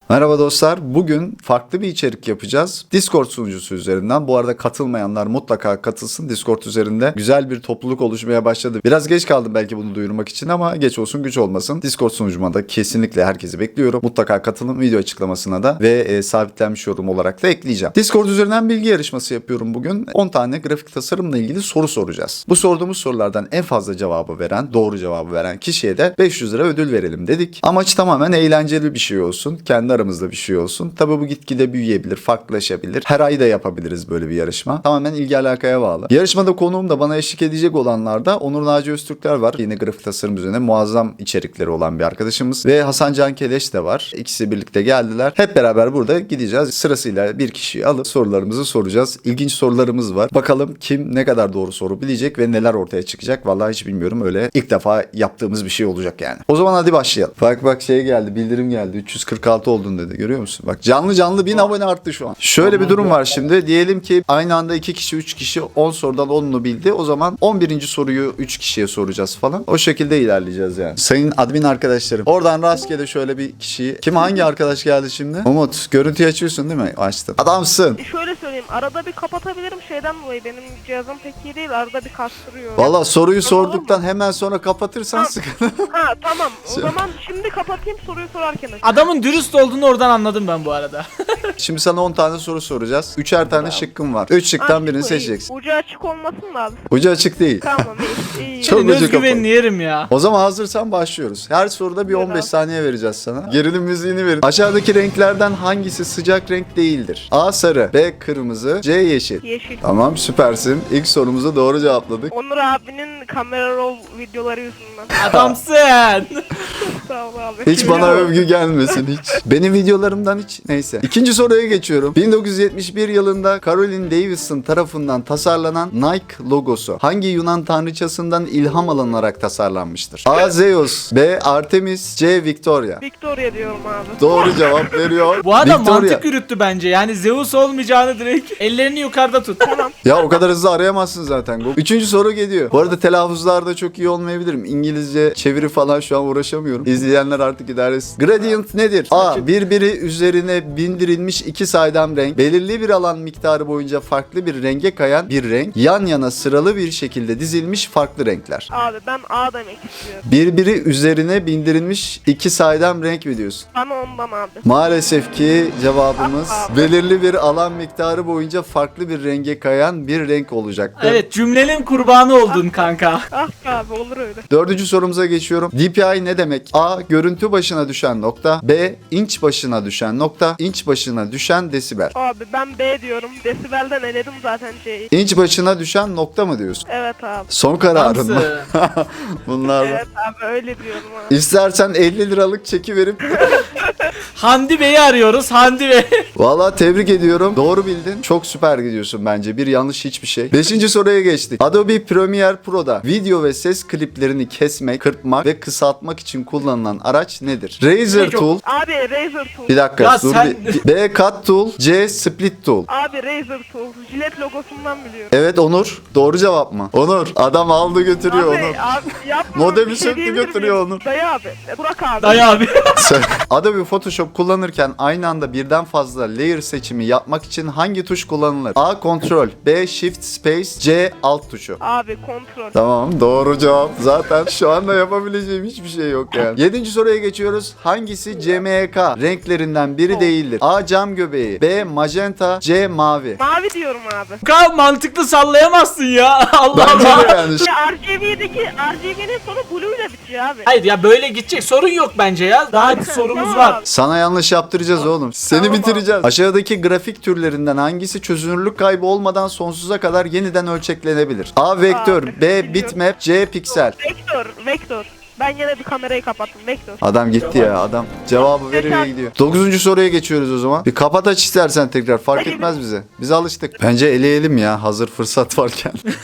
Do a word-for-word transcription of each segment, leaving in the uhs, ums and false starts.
Merhaba dostlar. Bugün farklı bir içerik yapacağız. Discord sunucusu üzerinden. Bu arada katılmayanlar mutlaka katılsın. Discord üzerinde güzel bir topluluk oluşmaya başladı. Biraz geç kaldım belki bunu duyurmak için ama geç olsun güç olmasın. Discord sunucuma da kesinlikle herkesi bekliyorum. Mutlaka katılın, video açıklamasına da ve e, sabitlenmiş yorum olarak da ekleyeceğim. Discord üzerinden bilgi yarışması yapıyorum bugün. on tane grafik tasarımla ilgili soru soracağız. Bu sorduğumuz sorulardan en fazla cevabı veren, doğru cevabı veren kişiye de beş yüz lira ödül verelim dedik. Amaç tamamen eğlenceli bir şey olsun. Kendi aramızda bir şey olsun. Tabii bu gitgide büyüyebilir, farklılaşabilir. Her ay da yapabiliriz böyle bir yarışma. Tamamen ilgi alakaya bağlı. Yarışmada konuğum da bana eşlik edecek olanlar da Onur Naci Öztürkler var. Yine grafik tasarım üzerine muazzam içerikleri olan bir arkadaşımız. Ve Hasan Can Keleş de var. İkisi birlikte geldiler. Hep beraber burada gideceğiz. Sırasıyla bir kişiyi alıp sorularımızı soracağız. İlginç sorularımız var. Bakalım kim ne kadar doğru soru bilecek ve neler ortaya çıkacak. Vallahi hiç bilmiyorum. Öyle ilk defa yaptığımız bir şey olacak yani. O zaman hadi başlayalım. Bak bak şey geldi. Bildirim geldi. üç yüz kırk altı oldun dedi. Görüyor musun? Bak canlı canlı bin abone arttı şu an. Şöyle bir durum var şimdi. Diyelim ki aynı anda iki kişi üç kişi on sorudan onunu bildi. O zaman on birinci soruyu üç kişiye soracağız falan. O şekilde ilerleyeceğiz yani. Sayın admin arkadaşlarım. Oradan rastgele şöyle bir kişiyi. Kim hangi arkadaş geldi şimdi? Umut. Görüntüyü açıyorsun değil mi? Açtım. Adamsın. Şöyle söyleyeyim, arada bir kapatabilirim şeyden dolayı, benim cihazım pek iyi değil, arada bir kastırıyor. Valla soruyu Tamam sorduktan hemen sonra kapatırsan Ha. sıkıntı. Ha tamam, o zaman şimdi kapatayım, soruyu sorarken aç. Adamın dürüst olduğunu oradan anladım ben bu arada. Şimdi sana on tane soru soracağız. Üçer tane şıkkın var. Üç şıktan birini seçeceksin. Ucu açık olmasın da abi. Ucu açık değil. Tamam iyi. iyi. Çok Senin ucu özgüvenini yerim ya. O zaman hazırsan başlıyoruz. Her soruda bir Buyur on beş abi. saniye vereceğiz sana. Gerilim müziğini verin. Aşağıdaki renklerden hangisi sıcak renk değildir? A sarı, B kırmızı, C yeşil. Yeşil. Tamam süpersin. İlk sorumuzu doğru cevapladık. Onur abinin kamera roll videoları yüzünden. Adamsın. Sağ ol abi. Hiç bana övgü gelmesin hiç. Benim videolarımdan hiç neyse. İkinci soruya geçiyorum. bin dokuz yüz yetmiş bir yılında Caroline Davidson tarafından tasarlanan Nike logosu hangi Yunan tanrıçasından ilham alınarak tasarlanmıştır? A. Zeus, B. Artemis, C. Victoria. Victoria diyorum abi. Doğru cevap veriyor. Bu adam Victoria. mantık yürüttü bence. Yani Zeus olmayacağını direkt ellerini yukarıda tut. Tamam. Ya o kadar hızlı arayamazsın zaten. Üçüncü soru geliyor. Bu arada telaffuzlarda çok iyi olmayabilirim. İngilizce çeviri falan şu an uğraşamıyorum. İzleyenler artık idare etsin. Gradient nedir? A. Birbiri üzerine bindirilmiş iki saydam renk. Belirli bir alan miktarı boyunca farklı bir renge kayan bir renk. Yan yana sıralı bir şekilde dizilmiş farklı renkler. Abi ben A demek istiyorum. Birbiri üzerine bindirilmiş iki saydam renk mi diyorsun? Bana ondan abi. Maalesef ki cevabımız Ah, ah. belirli bir alan miktarı boyunca farklı bir renge kayan bir renk olacaktı. Evet, cümlenin kurbanı oldun kanka. Ah be abi, olur öyle. Dördüncü sorumuza geçiyorum. D P I ne demek? A. Görüntü başına düşen nokta. B. İnç başına düşen nokta. İnç başına düşen desibel. Abi ben B diyorum. Desibelden eledim zaten C'yi. İnç başına düşen nokta mı diyorsun? Evet abi. Son kararın mı? Adamsın. Bunlar. Evet abi, öyle diyorum abi. İstersen elli liralık çeki verip Handi Bey'i arıyoruz. Handi Bey. valla tebrik ediyorum. Doğru bildin. Çok süper gidiyorsun bence. Bir yanlış hiçbir şey. Beşinci soruya geçtik. Adobe Premiere Pro'da video ve ses kliplerini kesmek, kırpmak ve kısaltmak için kullanılan araç nedir? Razor Peki o- Tool. Abi Razer Tool. Bir dakika Ya dur sen- bir. B. Cut Tool. C. Split Tool. Abi Razer Tool. Jilet logosundan biliyorum. Evet Onur. Doğru cevap mı? Onur. Adam aldı götürüyor Abi, Onur. abi yapma. Modemi Bir şey söktü diyebilir götürüyor miyim? onu. Dayı abi. Burak abi. Dayı abi. Adobe Photoshop kullanırken aynı anda birden fazla layer seçimi yapmak için hangi tuş kullanılır? A. Ctrl. B. Shift Space. C. Alt tuşu. Abi kontrol. Tamam doğru cevap. Zaten şu anda yapabileceğim hiçbir şey yok yani. Yedinci soruya geçiyoruz. Hangisi C M Y K renklerinden biri değildir? A. Cam göbeği. B. Magenta. C. Mavi. Mavi diyorum abi. Bu kadar mantıklı sallayamazsın ya. Allah Bence Allah. de yani. Ya R G B'deki R G B'nin sonu blue ile bitiyor abi. Hayır ya, böyle gidecek sorun yok bence ya. Daha bir sorumuz Tamam var. abi. Sana yanlış yaptıracağız oğlum. Seni Tamam bitireceğiz. Aşağıdaki grafik türlerinden hangisi çözünürlük kaybı olmadan sonsuza kadar yeniden ölçeklenebilir? A. Vektör. Abi, B. biliyorum. Bitmap. C. Piksel. Vektör. Vektör. Ben yine bir kamerayı kapattım. Vektör. Adam gitti ya adam. Cevabı veriyor gidiyor. Dokuzuncu soruya geçiyoruz o zaman. Bir kapat aç istersen tekrar. Fark etmez bize. Biz alıştık. Bence eleyelim ya hazır fırsat varken.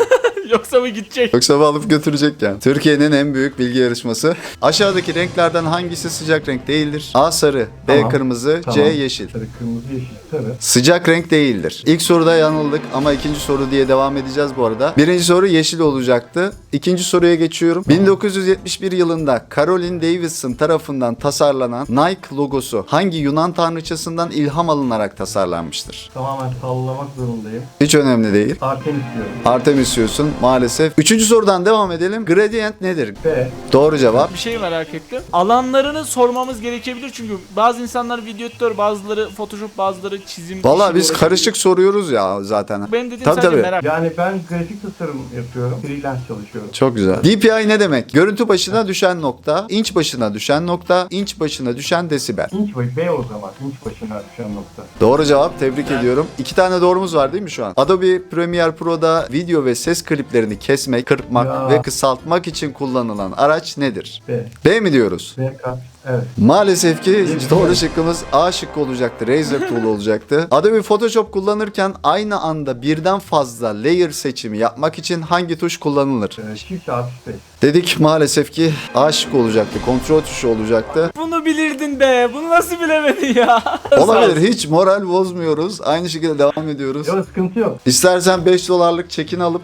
Yoksa mı gidecek? Yoksa bu alıp götürecek yani. Türkiye'nin en büyük bilgi yarışması. Aşağıdaki renklerden hangisi sıcak renk değildir? A sarı, B Tamam. kırmızı, C Tamam. yeşil. Sarı, kırmızı, yeşil, sarı. Sıcak renk değildir. İlk soruda yanıldık ama ikinci soru diye devam edeceğiz bu arada. Birinci soru yeşil olacaktı. İkinci soruya geçiyorum. bin dokuz yüz yetmiş bir yılında Caroline Davidson tarafından tasarlanan Nike logosu hangi Yunan tanrıçasından ilham alınarak tasarlanmıştır? Tamamen sallamak zorundayım. Hiç önemli değil. Artemis diyorum. Artemis diyorsun maalesef. Üçüncü sorudan devam edelim. Gradient nedir? B. Doğru cevap. Bir şey merak ettim. Alanlarını sormamız gerekebilir çünkü bazı insanlar video editör, bazıları Photoshop, bazıları çizim. Valla işiyle biz uğraşıyor. karışık soruyoruz ya zaten. Benim dediğim Tabii, sadece tabii. merak. Yani ben grafik tasarım yapıyorum. Freelance çalışıyorum. Çok güzel. D P I ne demek? Görüntü başına düşen nokta, inç başına düşen nokta, inç başına düşen desibel. İnç başı B o zaman. İnç başına düşen nokta. Doğru cevap. Tebrik ediyorum. İki tane doğrumuz var değil mi şu an? Adobe Premiere Pro'da video ve ses kliplerini kesmek, kırpmak Ya. ve kısaltmak için kullanılan araç nedir? B. B mi diyoruz? B kat. Evet. Maalesef ki Bir- doğru şıkkımız A şıkkı olacaktı. Razer Tool olacaktı. Adobe Photoshop kullanırken aynı anda birden fazla layer seçimi yapmak için hangi tuş kullanılır? Ee, Shift artı space. Dedik maalesef ki A şıkkı olacaktı. Kontrol tuşu olacaktı. Bunu bilirdin be. Bunu nasıl bilemedin ya? Olabilir. Hiç moral bozmuyoruz. Aynı şekilde devam ediyoruz. Yok sıkıntı yok. İstersen beş dolarlık çekin alıp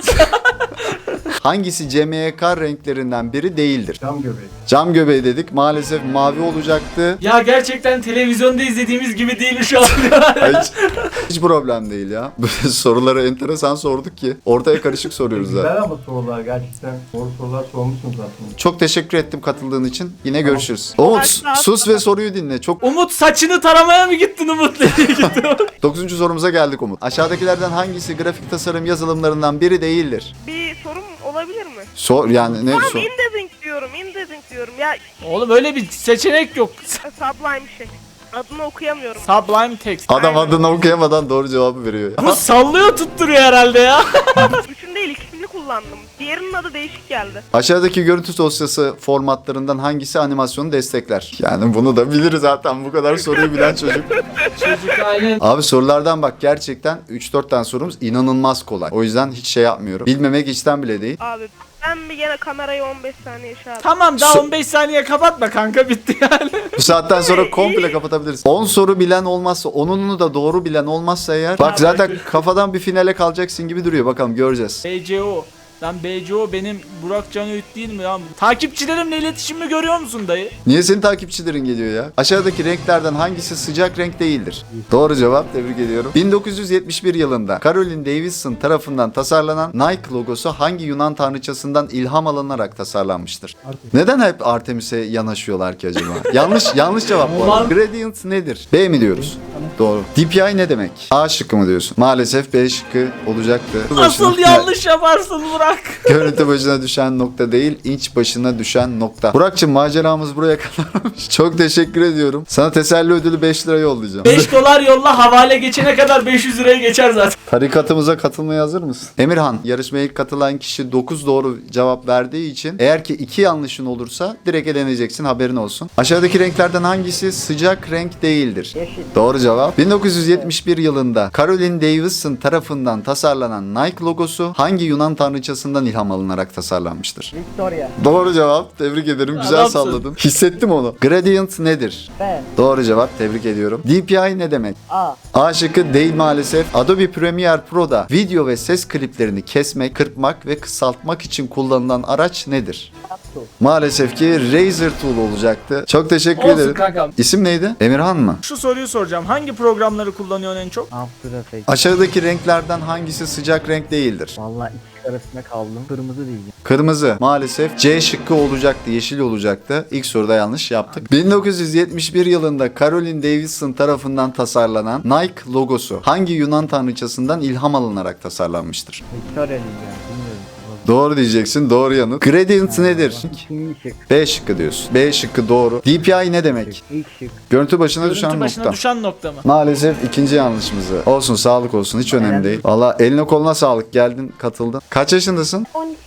hangisi C M Y K renklerinden biri değildir? Cam göbeği. Cam göbeği dedik. Maalesef mavi olacaktı. Ya gerçekten televizyonda izlediğimiz gibi değil şu an. Hiç, hiç problem değil ya. Böyle soruları enteresan sorduk ki ortaya karışık soruyoruz zaten. Güzel ama sorular gerçekten. Doğru sorular sormuşsunuz aslında. Çok teşekkür ettim katıldığın için. Yine görüşürüz. Umut sus ve soruyu dinle. Çok Umut saçını taramaya mı gittin Umut? Nereye gittin? dokuzuncu sorumuza geldik Umut. Aşağıdakilerden hangisi grafik tasarım yazılımlarından biri değildir? Bir sorum olabilir mi? Sor yani ne Tamam sor? indexing diyorum, indexing diyorum. Ya Oğlum öyle bir seçenek yok. Sublime bir şey. Adını okuyamıyorum. Sublime text. Adam adını okuyamadan doğru cevabı veriyor. Bu sallıyor tutturuyor herhalde ya. Üçün değil ikisini kullandım. Diğerinin adı değişik geldi. Aşağıdaki görüntü dosyası formatlarından hangisi animasyonu destekler? Yani bunu da bilir zaten bu kadar soruyu bilen çocuk. Çocuk aynen. Abi sorulardan bak gerçekten üç dört tane sorumuz inanılmaz kolay. O yüzden hiç şey yapmıyorum. Bilmemek içten bile değil. Abi ben bir gene kamerayı on beş saniye şey yaptım. Tamam daha So- on beş saniye kapatma kanka bitti yani. Bu saatten sonra komple kapatabiliriz. on soru bilen olmazsa, onunu da doğru bilen olmazsa eğer. Bak zaten kafadan bir finale kalacaksın gibi duruyor. Bakalım göreceğiz. B C O. Lan B C O benim Burak Can Öğüt değil mi ya? Takipçilerimle iletişimimi görüyor musun dayı? Niye senin takipçilerin geliyor ya? Aşağıdaki renklerden hangisi sıcak renk değildir? Doğru cevap. Tebrik ediyorum. bin dokuz yüz yetmiş bir yılında Caroline Davidson tarafından tasarlanan Nike logosu hangi Yunan tanrıçasından ilham alınarak tasarlanmıştır? Neden hep Artemis'e yanaşıyorlar ki acaba? yanlış yanlış cevap bu arada. Ulan. Gradient nedir? B mi diyoruz? Doğru. D P I ne demek? A şıkkı mı diyorsun? Maalesef B şıkkı olacaktı. Asıl yanlış yaparsın Burak. Görüntü başına düşen nokta değil, inç başına düşen nokta. Burak'cığım maceramız buraya kadarmış. Çok teşekkür ediyorum. Sana teselli ödülü beş lira yollayacağım. beş dolar yolla havale geçene kadar beş yüz liraya geçer zaten. Tarikatımıza katılmaya hazır mısın? Emirhan, yarışmaya ilk katılan kişi dokuz doğru cevap verdiği için eğer ki iki yanlışın olursa direkt eleneceksin, haberin olsun. Aşağıdaki renklerden hangisi sıcak renk değildir? Yeşil. Doğru cevap. bin dokuz yüz yetmiş bir yılında Caroline Davidson tarafından tasarlanan Nike logosu hangi Yunan tanrıçasından ilham alınarak tasarlanmıştır? Victoria. Doğru cevap. Tebrik ederim. Güzel Adamsın. salladın. Hissettim onu. Gradient nedir? B. Doğru cevap. Tebrik ediyorum. D P I ne demek? A. A şıkkı değil maalesef. Adobe Premiere Pro'da video ve ses kliplerini kesmek, kırpmak ve kısaltmak için kullanılan araç nedir? Aptu. Maalesef ki Razer Tool olacaktı. Çok teşekkür Olsun ederim. kankam. İsim neydi? Emirhan mı? Şu soruyu soracağım. Hangi programları kullanıyorsun en çok? After Effects. Aşağıdaki renklerden hangisi sıcak renk değildir? Valla ikisi arasında kaldım. Kırmızı diyeceğim. Kırmızı. Maalesef C şıkkı olacaktı, yeşil olacaktı. İlk soruda yanlış yaptık. bin dokuz yüz yetmiş bir yılında Caroline Davidson tarafından tasarlanan Nike logosu hangi Yunan tanrıçasından ilham alınarak tasarlanmıştır? Victoria diyeceğim. Bilmiyorum. Doğru diyeceksin. Doğru yanıt. Gradient nedir? İkinci şık. B şıkkı diyorsun. B şıkkı doğru. D P I ne demek? İlk şık. Görüntü başına Görüntü düşen başına nokta. düşen nokta mı? Maalesef ikinci yanlışımızı. Olsun, sağlık olsun. Hiç önemli değil. Valla eline koluna sağlık. Geldin, katıldın. Kaç yaşındasın? on iki yaşındayım.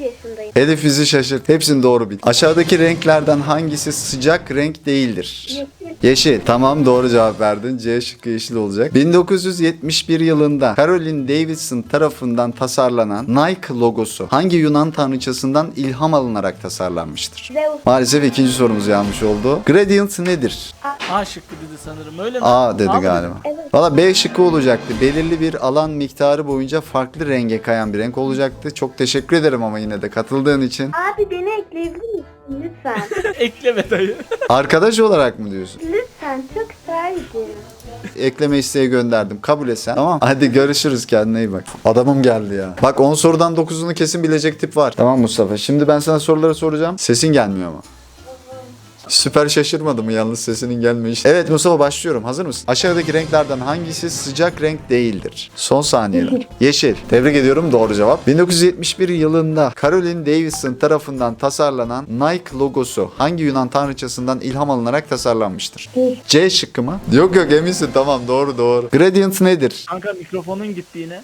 Elif bizi şaşırt. Hepsini doğru bil. Aşağıdaki renklerden hangisi sıcak renk değildir? Yeşil. Tamam, doğru cevap verdin. C şıkkı yeşil olacak. bin dokuz yüz yetmiş bir yılında Caroline Davidson tarafından tasarlanan Nike logosu hangi Yunan tanrıçasından ilham alınarak tasarlanmıştır? Zeus. Maalesef ikinci sorumuz yanlış oldu. Gradient nedir? A şıkkı dedi sanırım, öyle mi? A dedi mı galiba. Evet. Valla B şıkkı olacaktı. Belirli bir alan miktarı boyunca farklı renge kayan bir renk olacaktı. Çok teşekkür ederim ama yine de katıldığın için. Abi beni ekleyebilir misin lütfen? Ekleme dayı. Arkadaş olarak mı diyorsun? Lütfen, çok isterdim. Ekleme isteği gönderdim. Kabul etsen. Tamam. Hadi görüşürüz. Kendine iyi bak. Adamım geldi ya. Bak on sorudan dokuzunu kesin bilecek tip var. Tamam Mustafa. Şimdi ben sana soruları soracağım. Sesin gelmiyor ama. Süper şaşırmadı mı yalnız sesinin gelmeyişi? Evet Mustafa, başlıyorum. Hazır mısın? Aşağıdaki renklerden hangisi sıcak renk değildir? Son saniyeler. Yeşil. Tebrik ediyorum. Doğru cevap. bin dokuz yüz yetmiş bir yılında Caroline Davidson tarafından tasarlanan Nike logosu hangi Yunan tanrıçasından ilham alınarak tasarlanmıştır? C şıkkı mı? Yok yok, eminsin. Tamam, doğru doğru. Gradient nedir? Kanka mikrofonun gitti yine.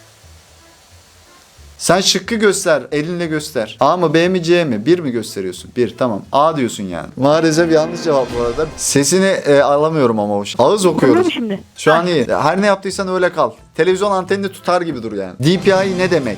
Sen şıkkı göster. Elinle göster. A mı B mi C mi? Bir mi gösteriyorsun? Bir, tamam. A diyorsun yani. Maalesef yanlış cevap bu arada. Sesini e, alamıyorum ama o şey. Ağız okuyoruz. Şimdi. Şu an iyi. Her ne yaptıysan öyle kal. Televizyon antenini tutar gibi dur yani. D P I ne demek?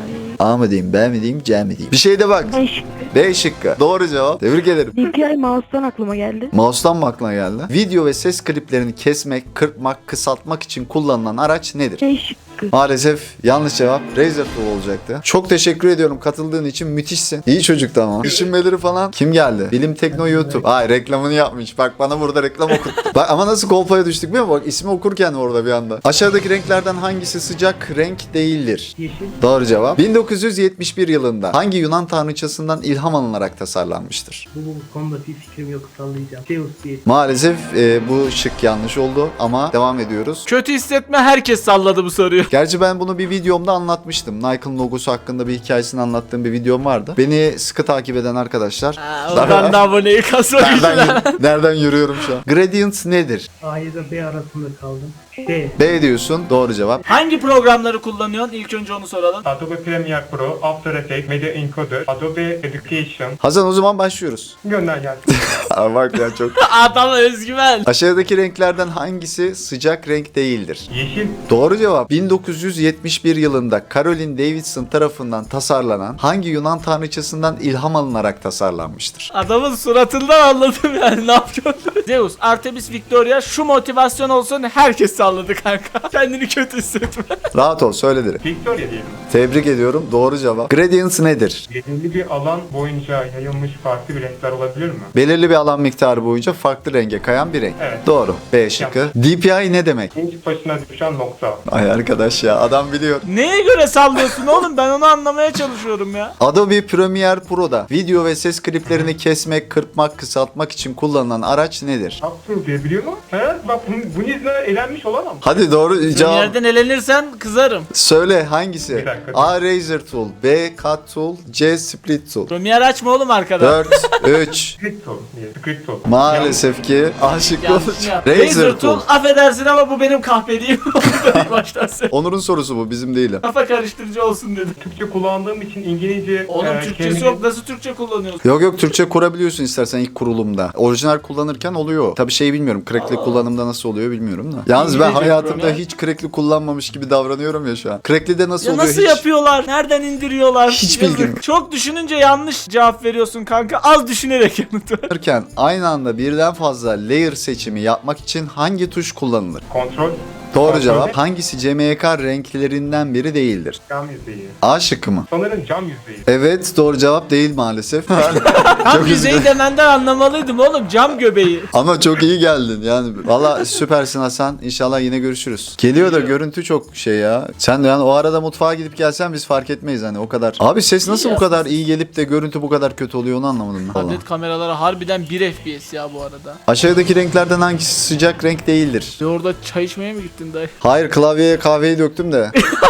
A mı diyeyim, B mi diyeyim, C mi diyeyim? Bir şey de bak. Ben şıkkı. B şıkkı. Doğru cevap. Tebrik ederim. D P I mouse'dan aklıma geldi. Mouse'dan mı aklına geldi? Video ve ses kliplerini kesmek, kırpmak, kısaltmak için kullanılan araç nedir? C şıkkı. Maalesef yanlış cevap Razer Tool olacaktı. Çok teşekkür ediyorum katıldığın için, müthişsin. İyi çocuktu ama. Düşünmeleri falan. Kim geldi? Bilim Tekno YouTube. Ay, reklamını yapmış. Bak bana burada reklam okuttu. Bak ama nasıl kolpaya düştük biliyor musun? Bak ismi okurken orada bir anda. Aşağıdaki renklerden hangisi sıcak renk değildir? Yeşil. Doğru cevap. bin dokuz yüz yetmiş bir yılında hangi Yunan tanrıçasından ilham alınarak tasarlanmıştır? Bu konuda bir fikrim yok, sallayacağım. Zeus diye. Maalesef e, bu şık yanlış oldu ama devam ediyoruz. Kötü hissetme, herkes salladı bu soruyu. Gerçi ben bunu bir videomda anlatmıştım. Nike'ın logosu hakkında bir hikayesini anlattığım bir videom vardı. Beni sıkı takip eden arkadaşlar. Ha, oradan da aboneyi kasmak nereden, nereden yürüyorum şu an? Gradient nedir? A ile B arasında kaldım. D. B diyorsun. Doğru cevap. Hangi programları kullanıyorsun? İlk önce onu soralım. Adobe Premiere Pro, After Effects, Media Encoder, Adobe Education. Hasan, o zaman başlıyoruz. Gönder gelsin. Aa, bak ya çok. Adam özgüven. Aşağıdaki renklerden hangisi sıcak renk değildir? Yeşil, Doğru cevap. bin dokuz yüz yetmiş bir yılında Caroline Davidson tarafından tasarlanan hangi Yunan tanrıçasından ilham alınarak tasarlanmıştır? Adamın suratından anladım yani ne yapıyorsun? Zeus, Artemis, Victoria, şu motivasyon olsun, herkes salladı kanka. Kendini kötü hissetme. Rahat ol, söyle direkt. Victoria diyelim. Tebrik ediyorum. Doğru cevap. Gradient nedir? Belirli bir alan boyunca yayılmış farklı bir renkler olabilir mi? Belirli bir alan miktarı boyunca farklı renge kayan bir renk. Evet. Doğru. B şıkkı. D P I ne demek? İnç başına düşen nokta. Ay arkadaş ya, adam biliyor. Neye göre sallıyorsun oğlum? Ben onu anlamaya çalışıyorum ya. Adobe Premiere Pro'da video ve ses kliplerini kesmek, kırpmak, kısaltmak için kullanılan araç nedir? After diye biliyor musun? He? Bak bunun, bunun yüzünden elenmiş olamam. Hadi doğru Bir cevap. yerden elenirsen kızarım. Söyle hangisi? Bir dakika. A. Razer Tool, B. Cut Tool, C. Split Tool. Premiere açma oğlum arkada. dört, üç. Script tool diye. Script tool. Maalesef ki A şıkkı Yanlış olacak. ya. Razer Tool. affedersin ama bu benim kahpeliğim. Onu da baştan söyle. Onur'un sorusu bu, bizim değil. Kafa karıştırıcı olsun dedim. Türkçe kullandığım için İngilizce... Oğlum e, Türkçesi kelime- yok, nasıl Türkçe kullanıyorsun? Yok yok, Türkçe kurabiliyorsun istersen ilk kurulumda. Orijinal kullanırken oluyor. Tabii şey bilmiyorum, crackli kullanımda nasıl oluyor bilmiyorum da. Yalnız ben İngilizce hayatımda kurum ya. hiç crackli kullanmamış gibi davranıyorum ya şu an. Crackli'de nasıl Ya oluyor nasıl hiç... yapıyorlar? Nereden indiriyorlar? Hiç Yazık. bilgim yok. Çok düşününce yanlış cevap veriyorsun kanka. Az düşünerek yanıt ver. Yaparken aynı anda birden fazla layer seçimi yapmak için hangi tuş kullanılır? Kontrol. Doğru Kontrol. cevap. Hangisi C M Y K renklerinden biri değildir? Cam yüzeyi. A şıkkı mı? Sanırım cam yüzeyi. Evet, doğru cevap değil maalesef. Tam Çok yüzeyi üzüldüm. demenden anlamalıydım oğlum. Cam göbeği. Ama çok iyi geldin yani. Valla süpersin Hasan. İnşallah yine görüşürüz. Geliyor da görüntü çok şey ya. Sen de yani o arada mutfağa gidip gelsen biz fark etmeyiz hani o kadar. Abi ses nasıl bu kadar iyi gelip de görüntü bu kadar kötü oluyor onu anlamadım ben. Vallahi. Tablet kameraları harbiden bir F P S ya bu arada. Aşağıdaki renklerden hangisi sıcak renk değildir? Bir orada çay içmeye mi gittin? için dayı. Hayır, klavyeye kahveyi döktüm de.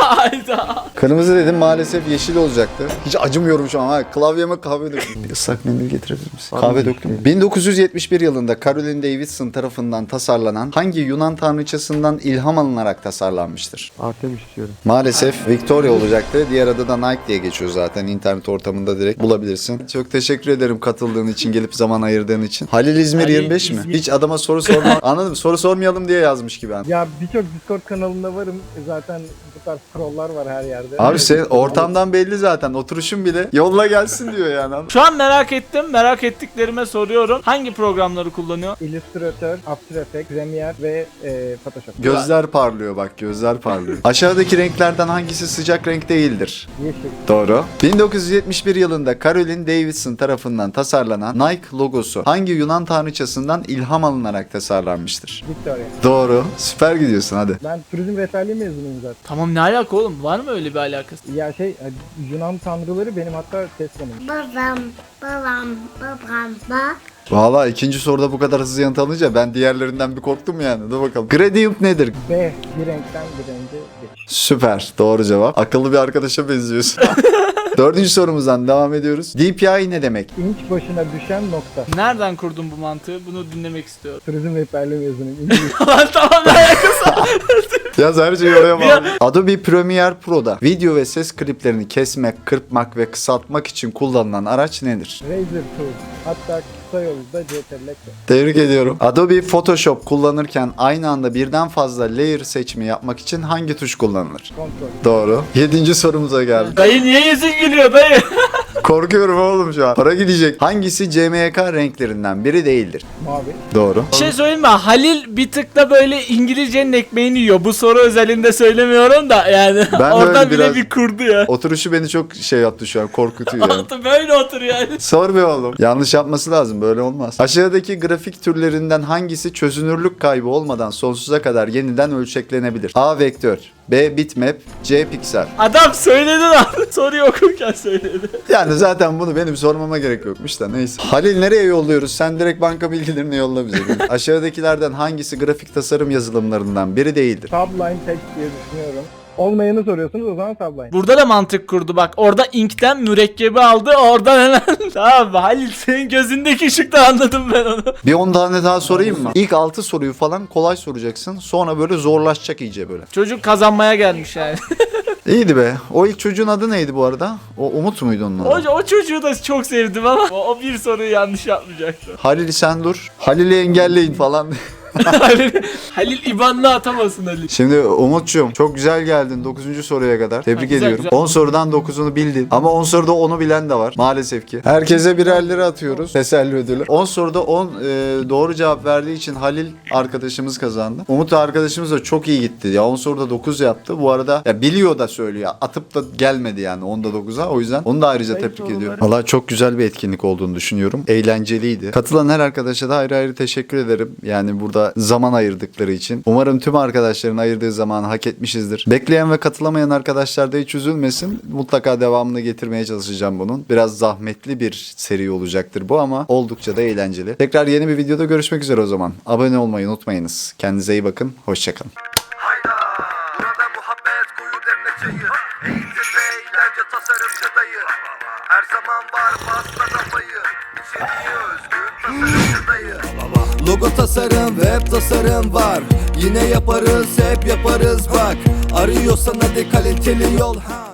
Hayda. Kırmızı dedim, maalesef yeşil olacaktı. Hiç acımıyorum şu an. Ha, klavyeme kahve döktüm. Bir ıslak mendil getirebilir misin? Kahve döktüm. bin dokuz yüz yetmiş bir yılında Caroline Davidson tarafından tasarlanan hangi Yunan tanrıçasından ilham alınarak tasarlanmıştır? Artemis diyorum. Maalesef Victoria olacaktı. Diğer adı da Nike diye geçiyor zaten. İnternet ortamında direkt bulabilirsin. Çok teşekkür ederim katıldığın için, gelip zaman ayırdığın için. Halil İzmir Halil yirmi beş mi? İzmir. Hiç adama soru sorma. Anladım. Soru sormayalım diye yazmış gibi. Yani. Ya birçok Discord kanalında varım. Zaten bu tarz trolllar var her yerde. Abi senin ortamdan belli zaten. Oturuşun bile yolla gelsin diyor yani. Şu an merak ettim. Merak ettiklerime soruyorum. Hangi programları kullanıyor? Illustrator, After Effects, Premiere ve e, Photoshop. Gözler parlıyor bak, gözler parlıyor. Aşağıdaki renklerden hangisi sıcak renk değildir? Yeşil. Doğru. bin dokuz yüz yetmiş bir yılında Caroline Davidson tarafından tasarlanan Nike logosu hangi Yunan tanrıçasından ilham alınarak tasarlanmıştır? Victoria. Doğru. Süper gidiyorsun hadi. Ben turizm rehberliği mezunuyum zaten. Tamam, ne alaka oğlum? Var mı öyle bir alakası? Ya şey e, Yunan tanrıları benim hatta test konum. Babam, babam, babam, ba. Valla ikinci soruda bu kadar hızlı yanıt alınca ben diğerlerinden bir korktum yani. Dur bakalım. Gradient nedir? B. Bir renkten bir renge geç. Süper. Doğru cevap. Akıllı bir arkadaşa benziyorsun. Dördüncü sorumuzdan devam ediyoruz. D P I ne demek? İnç başına düşen nokta. Nereden kurdun bu mantığı? Bunu dinlemek istiyorum. Turizm rehberliği mezunuyum. İngiliz. Lan tamam, ne alakası var? Yaz her şeyi oraya bağlı. Adobe Premiere Pro'da video ve ses kliplerini kesmek, kırpmak ve kısaltmak için kullanılan araç nedir? Razer Tool. Hatta kısa yolda C T L L. Tebrik ediyorum. Adobe Photoshop kullanırken aynı anda birden fazla layer seçimi yapmak için hangi tuş kullanılır? Kontrol. Doğru. Yedinci sorumuza geldik. Dayı niye yüzün gülüyor dayı? Korkuyorum oğlum şu an. Para gidecek. Hangisi C M Y K renklerinden biri değildir? Mavi. Doğru. Bir şey söyleyeyim mi? Halil bir tık da böyle İngilizcenin ekmeğini yiyor. Bu soru özelinde söylemiyorum da yani. Ben de Oradan öyle bile biraz- bir kurdu ya. Oturuşu beni çok şey yaptı şu an. Korkutuyor yani. Altı böyle otur yani. Sor be oğlum. Yanlış yapması lazım. Böyle olmaz. Aşağıdaki grafik türlerinden hangisi çözünürlük kaybı olmadan sonsuza kadar yeniden ölçeklenebilir? A. Vektör, B. Bitmap, C. Piksel. Adam söyledi lan. Soruyu okurken söyledi. Yani zaten bunu benim sormama gerek yokmuş da neyse. Halil nereye yolluyoruz? Sen direkt banka bilgilerini yolla bize. Aşağıdakilerden hangisi grafik tasarım yazılımlarından biri değildir? Subline Text diye düşünüyorum. Olmayanı soruyorsunuz o zaman Subline. Burada da mantık kurdu bak. Orada inkten mürekkebi aldı. Oradan hemen. Tamam Halil, senin gözündeki ışıkta anladım ben onu. Bir on tane daha sorayım mı? İlk altı soruyu falan kolay soracaksın. Sonra böyle zorlaşacak iyice böyle. Çocuk kazanmaya gelmiş yani. İyiydi be. O ilk çocuğun adı neydi bu arada? O Umut muydu onun adı? o, o çocuğu da çok sevdim ama o, o bir soruyu yanlış yapmayacaktı. Halil sen dur. Halil'i engelleyin falan. Halil, Halil İban'la atamasın Halil. Şimdi Umut'cum çok güzel geldin dokuzuncu soruya kadar. Tebrik Ha, güzel, ediyorum. güzel. on sorudan dokuzunu bildin. Ama on soruda onu bilen de var maalesef ki. Herkese birerleri atıyoruz. Teselli ödülü. on soruda on e, doğru cevap verdiği için Halil arkadaşımız kazandı. Umut arkadaşımız da çok iyi gitti. Ya on soruda dokuz yaptı. Bu arada ya biliyor da söylüyor. Atıp da gelmedi yani onda dokuza. O yüzden onu da ayrıca Zayıf tebrik soruları. ediyorum. Valla çok güzel bir etkinlik olduğunu düşünüyorum. Eğlenceliydi. Katılan her arkadaşa da ayrı ayrı teşekkür ederim. Yani burada zaman ayırdıkları için. Umarım tüm arkadaşların ayırdığı zamanı hak etmişizdir. Bekleyen ve katılamayan arkadaşlar da hiç üzülmesin. Mutlaka devamını getirmeye çalışacağım bunun. Biraz zahmetli bir seri olacaktır bu ama oldukça da eğlenceli. Tekrar yeni bir videoda görüşmek üzere o zaman. Abone olmayı unutmayınız. Kendinize iyi bakın. Hoşçakalın. Hayda, burada muhabbet koyu demle çayı. Eğitim ve eğlence tasarımcı dayı. Her zaman var pasta kafayı. İçeriği özgün tasarımcı dayı. Logo tasarım, web tasarım var. Yine yaparız, hep yaparız bak. Arıyorsan hadi kaliteli yol ha.